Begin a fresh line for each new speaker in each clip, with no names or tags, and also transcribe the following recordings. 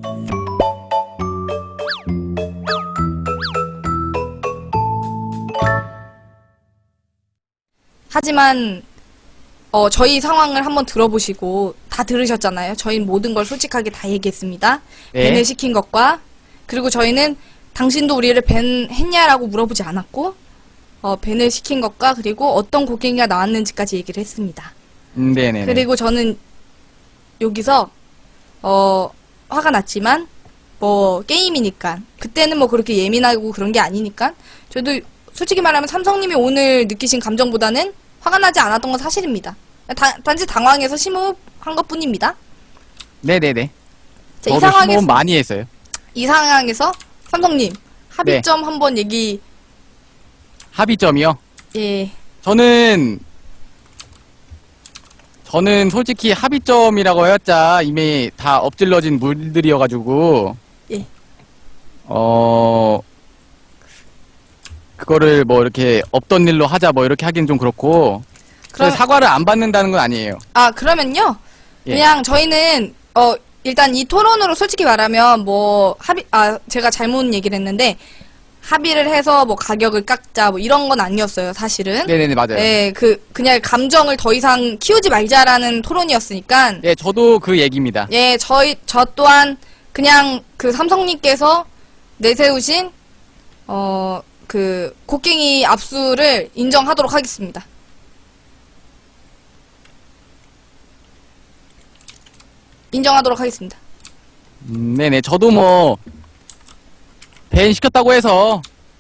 하지만 저희 상황을 한번 들어보시고 다 들으셨잖아요. 저희는 모든 걸 솔직하게 다 얘기했습니다.
네.
밴을 시킨 것과 그리고 저희는 당신도 우리를 밴했냐라고 물어보지 않았고 밴을 시킨 것과 그리고 어떤 곡괭이가 나왔는지까지 얘기를 했습니다.
네네네.
그리고 저는 여기서 화가 났지만 뭐 게임이니까 그때는 뭐 그렇게 예민하고 그런 게 아니니까 저도 솔직히 말하면 삼성님이 오늘 느끼신 감정보다는 화가 나지 않았던 건 사실입니다. 단지 당황해서 심호흡한 것 뿐입니다.
네네네.
자, 이
저도
상황에서
심호흡 많이 했어요.
이 상황에서 삼성님 합의점 한번 얘기.
합의점이요?
예.
저는 솔직히 합의점이라고 해봤자 이미 다 엎질러진 물들이어가지고
예.
그거를 뭐 이렇게 없던 일로 하자 뭐 이렇게 하긴 좀 그렇고
그럼-
사과를 안 받는다는 건 아니에요.
아, 그러면요.
예.
그냥 저희는 일단 이 토론으로 솔직히 말하면 뭐 제가 잘못 얘기를 했는데 합의를 해서 뭐 가격을 깎자 뭐 이런 건 아니었어요, 사실은.
네네네, 맞아요.
네, 그냥 감정을 더 이상 키우지 말자라는 토론이었으니까.
네, 저도 그 얘기입니다.
예, 저 또한 그냥 그 삼성님께서 내세우신 그 곡괭이 압수를 인정하도록 하겠습니다. 인정하도록 하겠습니다.
네네, 저도 뭐 밴 시켰다고 해서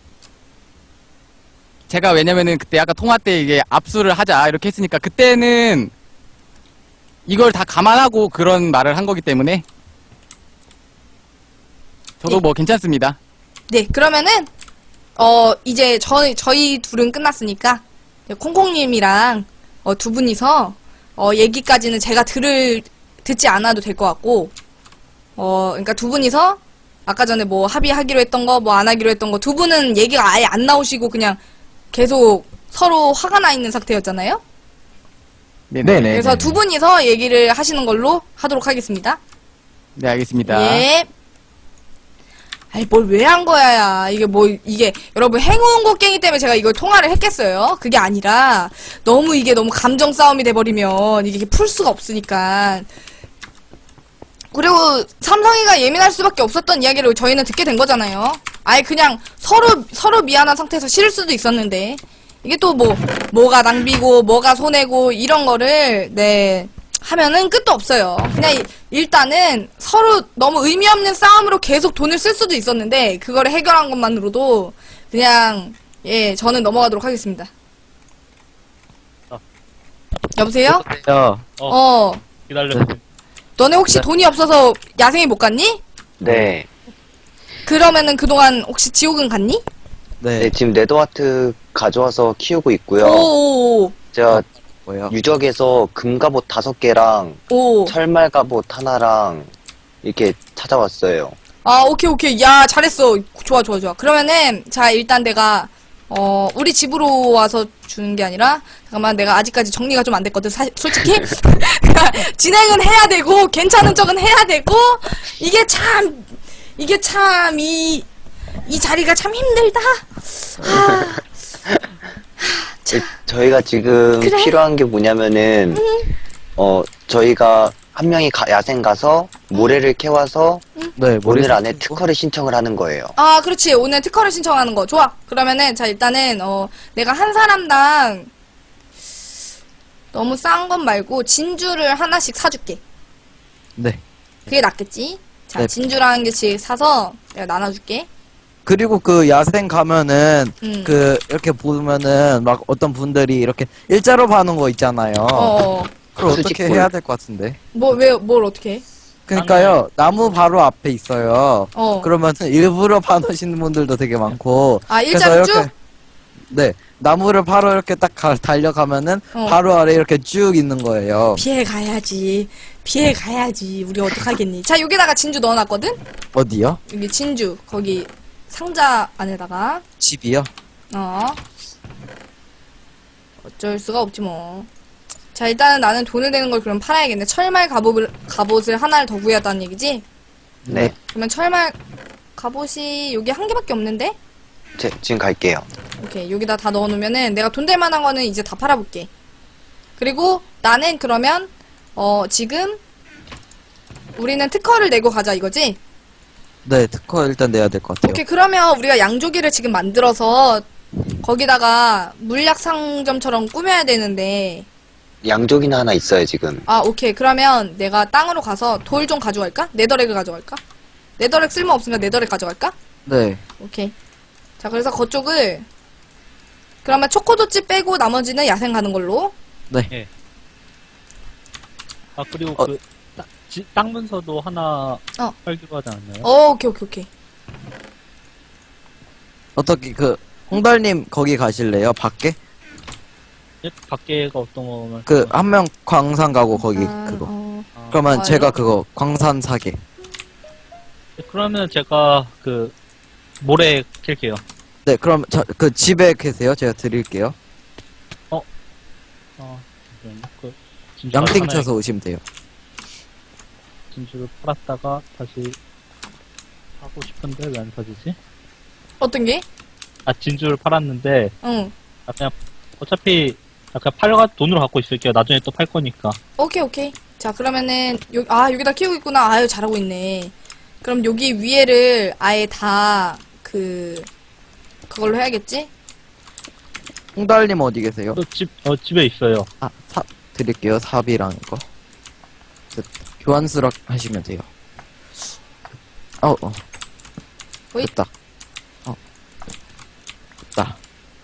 제가 왜냐면은 그때 아까 통화 때 이게 압수를 하자 이렇게 했으니까 그때는 이걸 다 감안하고 그런 말을 한 거기 때문에 저도
네.
뭐 괜찮습니다.
네, 그러면은 이제 저희 둘은 끝났으니까 콩콩님이랑 두 분이서 얘기까지는 제가 듣지 않아도 될 것 같고 그러니까 두 분이서 아까 전에 뭐 합의하기로 했던 거 뭐 안 하기로 했던 거 두 분은 얘기가 아예 안 나오시고 그냥 계속 서로 화가 나 있는 상태였잖아요.
네네.
그래서 두 분이서 얘기를 하시는 걸로 하도록 하겠습니다.
네, 알겠습니다.
예. 아이, 뭘 왜 한 거야, 야. 이게, 여러분, 행운 곡괭이 때문에 제가 이걸 통화를 했겠어요? 그게 아니라, 이게 너무 감정 싸움이 돼버리면, 이게 풀 수가 없으니까. 그리고, 삼성이가 예민할 수밖에 없었던 이야기를 저희는 듣게 된 거잖아요. 아예 그냥, 서로 미안한 상태에서 싫을 수도 있었는데, 이게 또 뭐가 낭비고, 뭐가 손해고, 이런 거를, 네. 하면은 끝도 없어요. 그냥 일단은 서로 너무 의미 없는 싸움으로 계속 돈을 쓸 수도 있었는데 그거를 해결한 것만으로도 그냥 저는 넘어가도록 하겠습니다. 여보세요?
야,
기다려.
너네 혹시 돈이 없어서 야생에 못 갔니?
네.
그러면은 그동안 혹시 지옥은 갔니?
네, 지금 네더와트 가져와서 키우고 있고요.
오,
제가
뭐요?
유적에서 금갑옷 5개랑
오.
철말갑옷 하나랑 이렇게 찾아왔어요.
아, 오케이. 야, 잘했어. 좋아. 그러면은, 자, 일단 내가, 우리 집으로 와서 주는 게 아니라, 잠깐만, 내가 아직까지 정리가 좀 안 됐거든, 솔직히. 진행은 해야 되고, 괜찮은 척은 해야 되고, 이게 참, 이 자리가 참 힘들다.
저희가 지금
그래?
필요한 게 뭐냐면은, 저희가 한 명이 야생 가서 모래를 캐와서
네,
오늘 안에 특허를 신청을 하는 거예요.
아, 그렇지. 오늘 특허를 신청하는 거. 좋아. 그러면은, 자, 일단은, 내가 한 사람당, 너무 싼 건 말고, 진주를 하나씩 사줄게.
네.
그게 낫겠지? 자,
네.
진주랑 한 개씩 사서 내가 나눠줄게.
그리고 그 야생 가면은
음.
이렇게 보면은 막 어떤 분들이 이렇게 일자로 파는 거 있잖아요. 그걸 어떻게
수직볼.
해야 될 것 같은데?
뭘 어떻게 해?
그러니까요, 나무 바로 앞에 있어요.
어.
그러면은 일부러 파놓으시는 분들도 되게 많고.
아,
그래서
일자로
이렇게,
쭉?
네. 나무를 바로 이렇게 딱 달려가면은 바로 아래 이렇게 쭉 있는 거예요.
피해 가야지. 우리 어떡하겠니? 자, 여기다가 진주 넣어놨거든?
어디요?
여기 진주. 거기 상자 안에다가.
집이요?
어쩔 수가 없지 뭐. 자, 일단은 나는 돈을 내는 걸 그럼 팔아야겠네. 철말 갑옷을 하나를 더 구해야 한다는 얘기지?
네.
그러면 철말 갑옷이 여기 한 개밖에 없는데?
지금 갈게요.
오케이, 여기다 다 넣어놓으면은 내가 돈 될 만한 거는 이제 다 팔아볼게. 그리고 나는 그러면 지금 우리는 특허를 내고 가자 이거지?
네, 특허 일단 내야 될 것 같아요.
오케이, 그러면 우리가 양조기를 지금 만들어서 거기다가 물약 상점처럼 꾸며야 되는데,
양조기는 하나 있어요, 지금.
아, 오케이. 그러면 내가 땅으로 가서 돌 좀 가져갈까? 네더렉을 가져갈까? 네더렉 쓸모없으니까 네더렉 가져갈까?
네.
오케이. 자, 그래서 그쪽을 그러면 초코도치 빼고 나머지는 야생 가는 걸로.
네.
아 그리고
어.
그 땅 문서도 하나
어.
팔기로 하지 않았나요?
오케이, 오케이, 오케이.
어떻게 홍달님 거기 가실래요? 밖에?
예? 밖에가 어떤 거면
한 명 광산 가고 거기 그거.
아,
그러면
아,
제가
예?
그거 광산 사게.
그러면 제가 그 모래 캘게요.
네, 그럼 그 집에 계세요? 제가 드릴게요.
잠시만요. 그 진주를
양띵
하나에
쳐서 오시면 돼요.
진주를 팔았다가 다시 하고 싶은데 왜 안 사지지?
어떤 게?
아 진주를 팔았는데
응.
그냥 어차피 그냥 팔가 돈으로 갖고 있을게요. 나중에 또 팔 거니까.
오케이, 오케이. 자, 그러면은 여기다 키우고 있구나. 아유, 잘하고 있네. 그럼 여기 위에를 아예 다 그걸로 해야겠지?
홍달님 어디 계세요?
또 집에 있어요.
드릴게요. 삽이랑 이거. 교환수락 하시면 돼요.
호잇.
됐다. 됐다.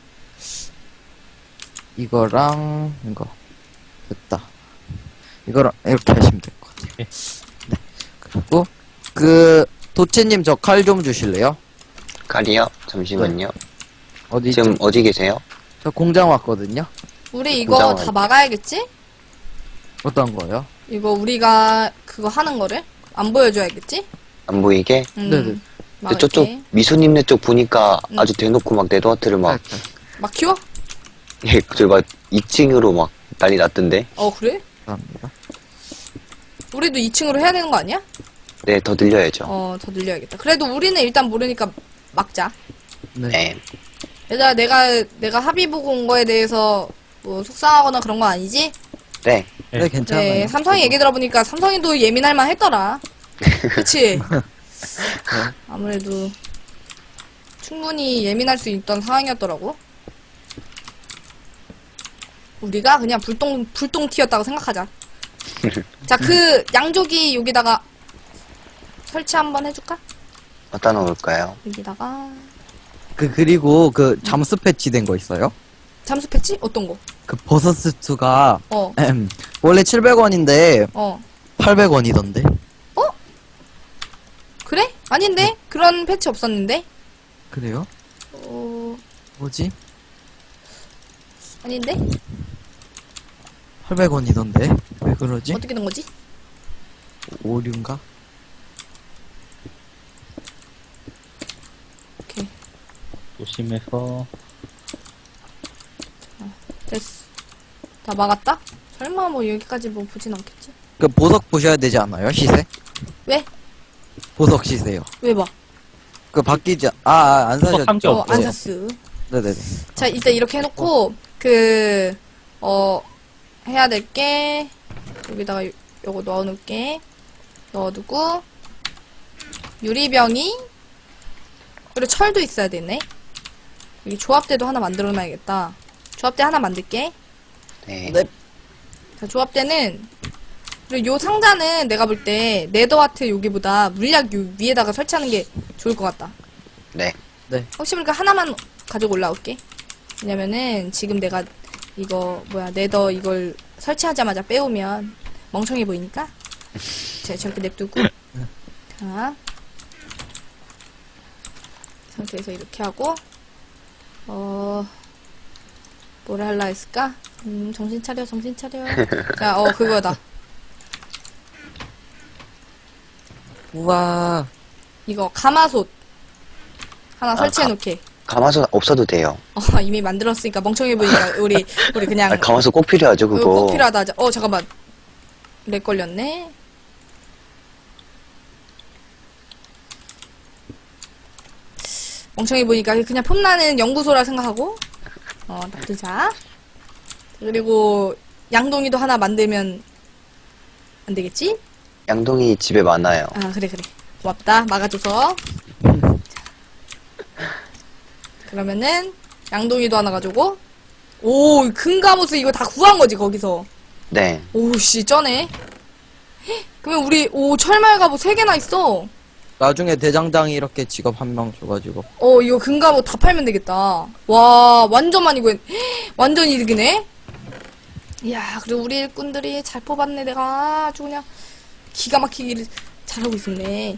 이거랑 이거 됐다. 이거랑 이렇게 하시면 될 것 같아요.
네.
네. 그리고 도치님 저 칼 좀 주실래요?
칼이요? 잠시만요.
어디
지금 어디 계세요?
저 공장 왔거든요.
우리 이거
공장은
다
아니지.
막아야겠지?
어떤 거요?
이거 우리가 그거 하는 거를 안 보여줘야겠지?
안 보이게?
네네.
근데
막을게.
저쪽 미소님네 쪽 보니까
응.
아주 대놓고 막 네더하트를 막,
막 키워?
예, 저기 막 2층으로 막 난리 났던데.
그래?
감사합니다.
우리도 2층으로 해야 되는 거 아니야?
네, 더 늘려야죠.
더 늘려야겠다. 그래도 우리는 일단 모르니까 막자.
네.
네.
얘들아, 내가 합의 보고 온 거에 대해서 뭐 속상하거나 그런 건 아니지?
네.
네, 괜찮아요.
네, 삼성이 얘기 들어보니까 삼성이도 예민할 만 했더라. 그치? 아무래도 충분히 예민할 수 있던 상황이었더라고. 우리가 그냥 불똥 튀었다고 생각하자. 자, 양조기 여기다가 설치 한번 해줄까?
어디다 놓을까요?
여기다가
그리고 잠수 패치된 거 있어요?
잠수 패치? 어떤 거?
버섯 수트가
어,
원래 700원인데
어.
800원이던데.
그래? 아닌데? 그런 패치 없었는데?
그래요? 뭐지?
아닌데?
800원이던데. 왜 그러지?
어떻게 된 거지?
오류인가?
오케이.
조심해서.
됐어. 다 막았다? 설마 뭐 여기까지 뭐 보진 않겠지?
보석 보셔야 되지 않아요? 시세?
왜?
보석 시세요.
왜 봐?
바뀌지 안 사셨죠?
산 게 없어요.
안 샀어.
네네네.
자, 일단 이렇게 해놓고, 해야 될 게, 여기다가 요거 넣어놓을게. 넣어두고, 유리병이, 그리고 철도 있어야 되네. 여기 조합대도 하나 만들어놔야겠다. 조합대 하나 만들게.
네.
네.
자, 조합대는, 그리고 요 상자는 내가 볼 때, 네더와트 여기보다 물약 요 위에다가 설치하는 게 좋을 것 같다.
네.
혹시 모르니까 하나만 가지고 올라올게. 왜냐면은 지금 내가 네더 이걸 설치하자마자 빼오면 멍청해 보이니까. 자, 저렇게 냅두고. 자. 상태에서 이렇게 하고, 뭐를 할라 했을까? 정신 차려, 정신 차려. 자, 그거다.
우와.
이거 가마솥 하나 설치해 놓게.
가마솥 없어도 돼요.
이미 만들었으니까 멍청해 보이니까 우리 그냥
가마솥 꼭 필요하죠,
이거
그거.
꼭 필요하다 하자. 잠깐만. 렉 걸렸네. 멍청이 보니까 그냥 폼나는 연구소라 생각하고 놔두자. 그리고 양동이도 하나 만들면 안 되겠지?
양동이 집에 많아요.
아, 그래. 고맙다. 막아줘서. 그러면은 양동이도 하나 가지고. 오, 금가모스 이거 다 구한 거지 거기서.
네.
오씨 쩌네. 헉, 그러면 우리 철말 갑옷 3개나 있어.
나중에 대장장이 이렇게 직업 한 명 줘가지고.
이거 금갑옷 다 팔면 되겠다. 와, 완전 많이 구했. 완전 이득이네. 이야, 그리고 우리 일꾼들이 잘 뽑았네. 내가 아주 그냥 기가 막히기를 잘하고 있었네.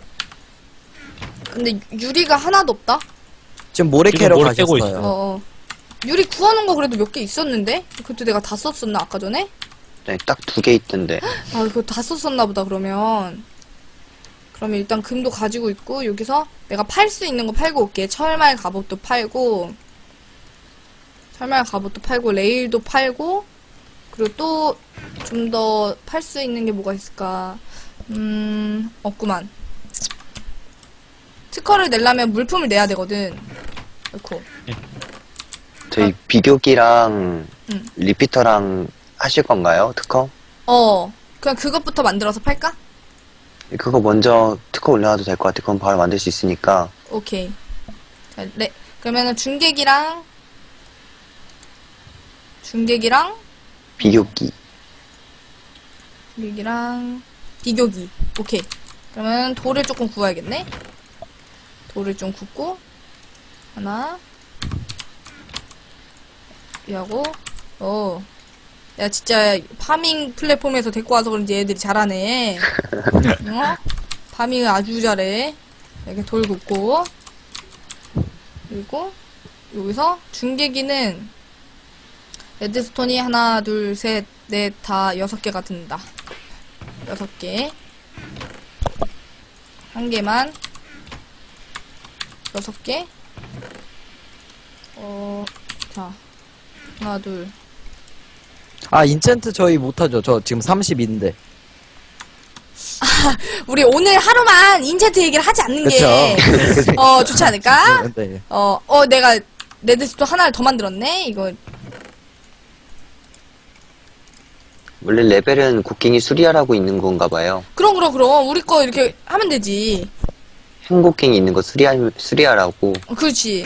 근데 유리가 하나도 없다.
지금 모래
지금
캐러
모래 캐고
가셨어요.
유리 구하는 거 그래도 몇 개 있었는데? 그것도 내가 다 썼었나 아까 전에?
네, 딱 2개 있던데.
아, 그거 다 썼었나 보다 그러면 일단 금도 가지고 있고 여기서 내가 팔 수 있는 거 팔고 올게. 철말 갑옷도 팔고 레일도 팔고 그리고 또 좀 더 팔 수 있는 게 뭐가 있을까? 없구만. 특허를 내려면 물품을 내야 되거든. 그렇고
저희 비교기랑
응.
리피터랑 하실 건가요? 특허?
그냥 그것부터 만들어서 팔까?
그거 먼저 특허 올려놔도 될 것 같아. 그건 바로 만들 수 있으니까.
오케이. 자, 그러면은 중계기랑
비교기.
비교기. 오케이. 그러면 돌을 조금 구워야겠네. 돌을 좀 굽고 하나 하고 야 진짜 파밍 플랫폼에서 데리고 와서 그런지 애들이 잘하네. 파밍을 아주 잘해. 이렇게 돌 굽고 그리고 여기서 중계기는 레드스톤이 하나 둘 셋 넷 다 6개가 든다. 6개. 한 개만 6개. 자 하나 둘.
아, 인챈트 저희 못하죠. 저 지금 30인데.
우리 오늘 하루만 인챈트 얘기를 하지 않는
그쵸.
게 좋지 않을까?
네.
내가 레드스톤 하나를 더 만들었네. 이거
원래 레벨은 곡괭이 수리하라고 있는 건가 봐요.
그럼 우리 거 이렇게 하면 되지.
행곡괭이 있는 거 수리하라고.
그렇지.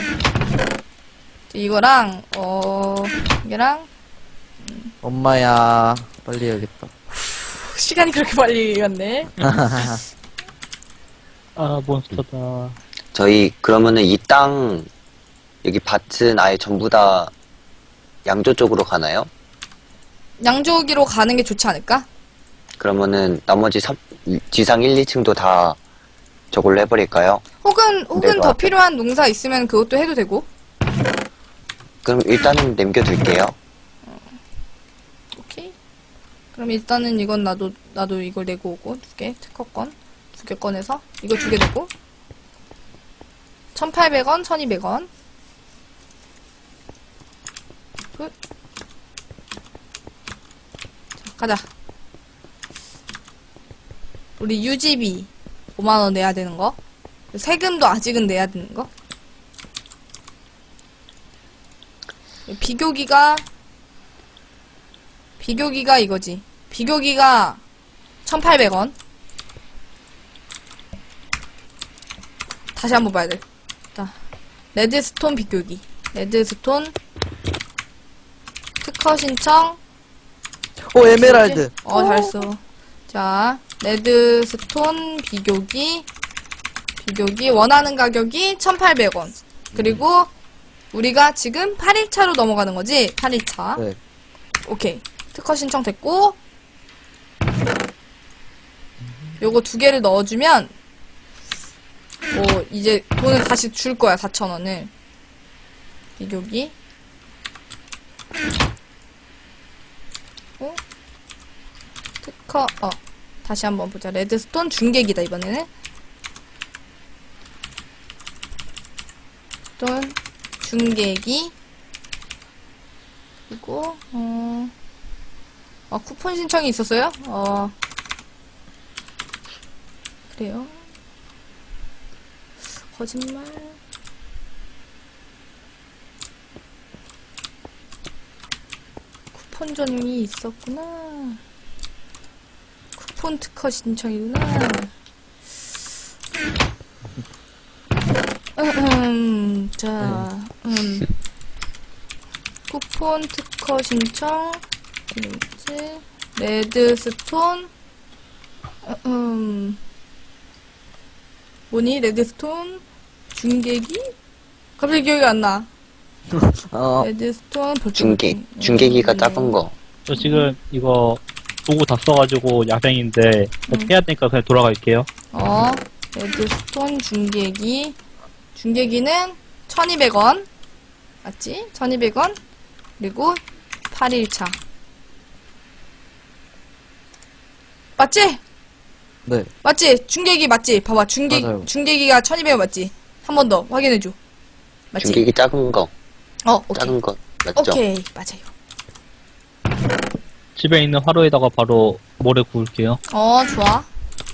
이거랑 이게랑
엄마야, 빨리 해야겠다.
시간이 그렇게 빨리 갔네.
아, 몬스터다.
저희 그러면은 이 땅 여기 밭은 아예 전부 다 양조 쪽으로 가나요?
양조기로 가는 게 좋지 않을까?
그러면은 나머지 지상 1, 2층도 다 저걸로 해버릴까요?
혹은
내가
더 필요한 농사 있으면 그것도 해도 되고.
그럼 일단은 남겨둘게요.
오케이. 그럼 일단은 이건 나도 이걸 내고 오고 2개 특허권 2개 꺼내서 이거 2개 내고 1,800원, 1,200원. 굿. 자, 가자. 우리 유지비 5만원 내야 되는 거. 세금도 아직은 내야 되는 거. 비교기가 이거지. 비교기가 1,800원. 다시 한번 봐야 돼. 자, 레드스톤 비교기. 레드스톤 특허 신청.
오, 에메랄드.
잘했어. 자, 레드스톤 비교기 원하는 가격이 1,800원. 그리고 우리가 지금 8일차로 넘어가는 거지? 8일차.
네.
오케이. 특허 신청 됐고, 요거 2개를 넣어주면, 이제 돈을 다시 줄 거야, 4,000원을. 비교기. 특허, 다시 한번 보자. 레드스톤 중계기다, 이번에는. 스톤 중계기. 그리고, 쿠폰 신청이 있었어요? 그래요. 거짓말. 쿠폰전이 있었구나. 쿠폰 특허 신청이구나. 자, 쿠폰 특허 신청, 뭐지? 레드스톤, 뭐니? 레드스톤, 중계기? 갑자기 기억이 안 나. 레드스톤,
중계기가 작은 거.
저 지금 이거 도구 다 써가지고 야생인데 해야 되니까 그냥 돌아갈게요.
레드스톤 중계기. 중계기는 1200원. 맞지? 1200원. 그리고 8일차. 맞지?
네.
맞지? 중계기 맞지? 봐봐.
맞아요.
중계기가 1200원 맞지? 한 번 더 확인해줘. 맞지?
중계기 작은 거.
오케이.
작은 거. 맞죠?
오케이. 맞아요.
집에 있는 화로에다가 바로 모래 구울게요.
좋아.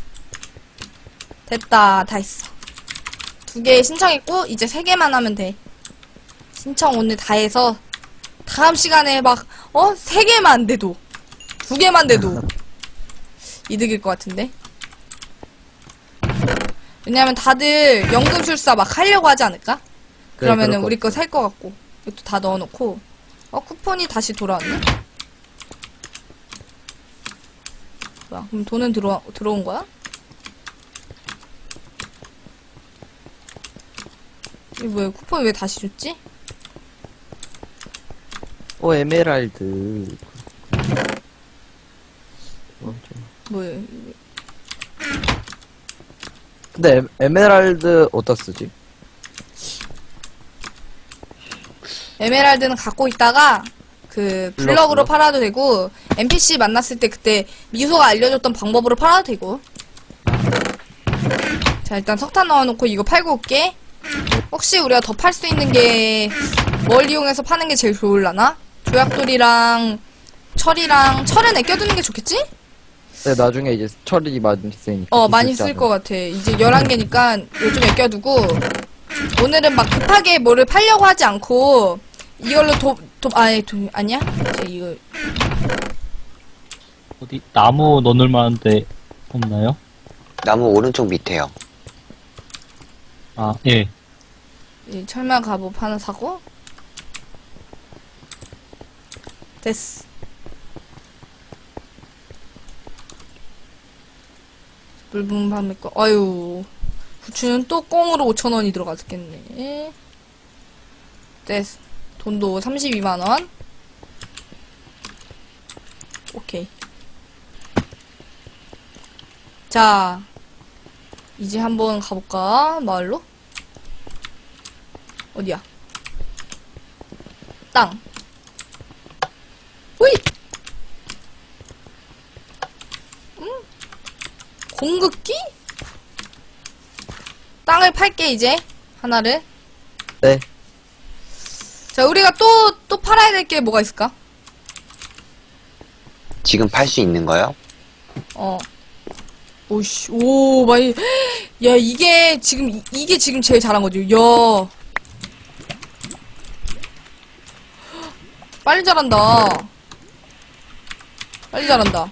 됐다. 다 했어. 2개 신청했고, 이제 3개만 하면 돼. 신청 오늘 다 해서, 다음 시간에 막, 3개만 돼도, 2개만 돼도, 이득일 것 같은데? 왜냐면 다들 연금술사 막 하려고 하지 않을까? 그러면은
그럴
우리
것
거 살 것 같고, 이것도 다 넣어놓고, 쿠폰이 다시 돌아왔네? 뭐야, 그럼 돈은 들어온 거야? 이게 뭐야, 쿠폰 왜 다시 줬지?
에메랄드.
뭐야,
근데 에메랄드 어디다 쓰지?
에메랄드는 갖고 있다가, 블럭으로 팔아도 되고, NPC 만났을 때 그때 미소가 알려줬던 방법으로 팔아도 되고. 자, 일단 석탄 넣어놓고 이거 팔고 올게. 혹시 우리가 더 팔 수 있는 게 뭘 이용해서 파는 게 제일 좋을라나? 조약돌이랑 철은 아껴두는 게 좋겠지?
네, 나중에 이제 철이 많이 쓰니까.
많이 쓸 것 같아. 이제 11개니까 요즘 아껴두고, 오늘은 막 급하게 뭐를 팔려고 하지 않고, 이걸로 아니야? 이제 이거,
어디 나무 넣을 만한데 없나요?
나무 오른쪽 밑에요.
아, 예.
이 철망 갑옷 하나 사고, 됐어. 물 부은 밤에 거, 아유. 부추는 또 꽁으로 5,000원이 들어갔겠네. 됐어. 돈도 32만원. 오케이. 자, 이제 한번 가볼까? 마을로? 어디야? 땅. 호이! 공급기? 땅을 팔게, 이제. 하나를.
네.
자, 우리가 또 팔아야 될 게 뭐가 있을까?
지금 팔 수 있는 거요?
오씨, 많이. 야, 이게 지금 제일 잘한 거지. 야. 빨리 잘한다. 빨리 잘한다.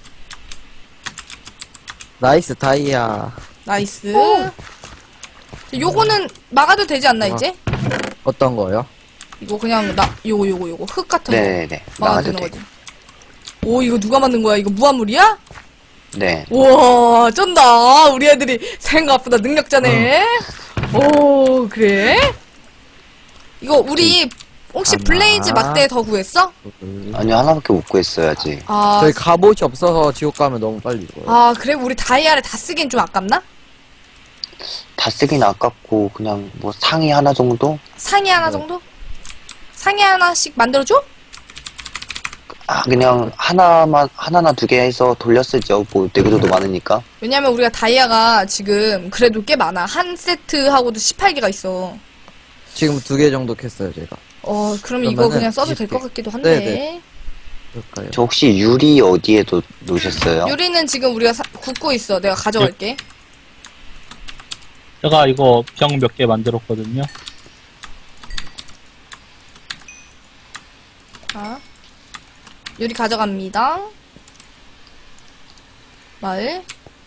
나이스 다이아.
나이스. 자, 요거는 막아도 되지 않나,
아.
이제?
어떤 거요?
이거 그냥, 요거. 흙 같은 거.
네네네.
막아도
나가도
되는
돼.
거지. 오, 이거 누가 만든 거야? 이거 무한물이야?
네.
우와, 쩐다. 우리 애들이 생각보다 능력자네. 오, 그래? 이거 우리 혹시
하나.
블레이즈 막대 더 구했어?
아니요, 하나밖에 못 구했어야지.
저희 갑옷이 없어서 지옥 가면 너무 빨리 죽어요.
그래? 우리 다이아를 다 쓰긴 좀 아깝나?
다 쓰긴 아깝고, 그냥 뭐 상의 하나 정도?
상의 하나 정도? 상의 하나씩 만들어줘?
그냥 하나나 2개 해서 돌려 쓰죠. 뭐, 내구도도 많으니까.
왜냐면 우리가 다이아가 지금 그래도 꽤 많아. 한 세트하고도 18개가 있어.
지금 2개 정도 캤어요, 제가.
그럼 이거
그러면은
그냥 써도 될 것 같기도 한데.
네네. 그럴까요?
저 혹시 유리 어디에 놓으셨어요?
유리는 지금 우리가 굽고 있어. 내가 가져갈게.
제가 이거 병 몇 개 만들었거든요.
자. 유리 가져갑니다. 마을.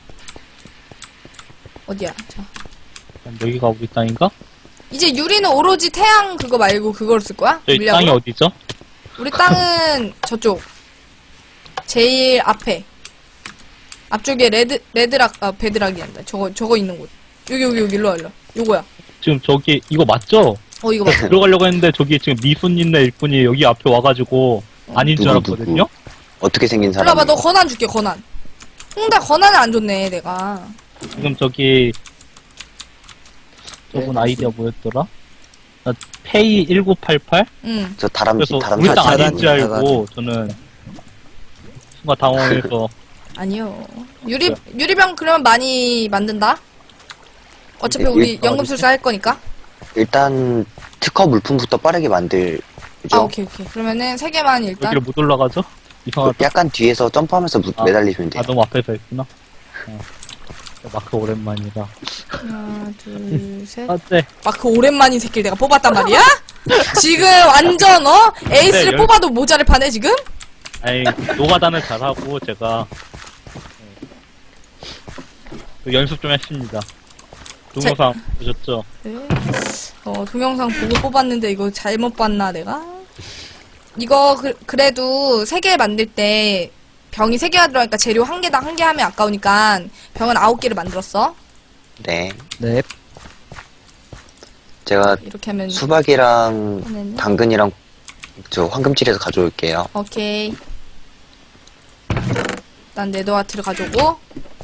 어디야? 자.
여기가 우리 땅인가?
이제 유리는 오로지 태양 그거 말고 그걸 쓸 거야?
저희
물량으로?
땅이 어디죠?
우리 땅은 저쪽. 제일 앞에. 앞쪽에 베드락이 한다. 저거 있는 곳. 여기, 일로 와, 일로 와. 요거야.
지금 저기 이거 맞죠?
이거 맞아.
들어가려고 했는데 저기 지금 미순이네 일꾼이 여기 앞에 와가지고 아닌 줄
누구?
알았거든요?
어떻게 생긴
일로 와봐,
사람이?
너 권한 줄게, 권한. 홍다 권한을 안 줬네, 내가.
지금 저기 저분 아이디어 뭐였더라? 나 페이 1988?
응.
저 다람쥐,
그래서
다람쥐.
우리 땅
자단-
아닌 줄 알고 저는 순간 당황해서
아니요. 유리병 그러면 많이 만든다? 어차피 우리 연금술사 할 거니까.
일단 특허 물품부터 빠르게 만들죠.
오케이. 그러면은 3개만 일단.
여기를 못 올라가죠? 이상하다.
약간 뒤에서 점프하면서 매달리시면 돼요.
아 너무 앞에서 했구나. 마크 오랜만이다.
하나, 둘, 셋.
아, 네.
마크 오랜만인 새끼를 내가 뽑았단 말이야? 지금 완전 에이스를
네,
뽑아도 모자를 파네 지금?
아니 노가다는 잘하고 제가 그 연습 좀 했습니다. 동영상 보셨죠?
네. 동영상 보고 뽑았는데 이거 잘못 봤나 내가? 이거 그래도 3개 만들 때 병이 3개가 들어가니까 재료 1개당 1개 하면 아까우니까 병은 9개를 만들었어.
네.
네.
제가
이렇게 하면
수박이랑
이번에는
당근이랑 저 황금칠에서 가져올게요.
오케이. 일단 네더와트를 가져오고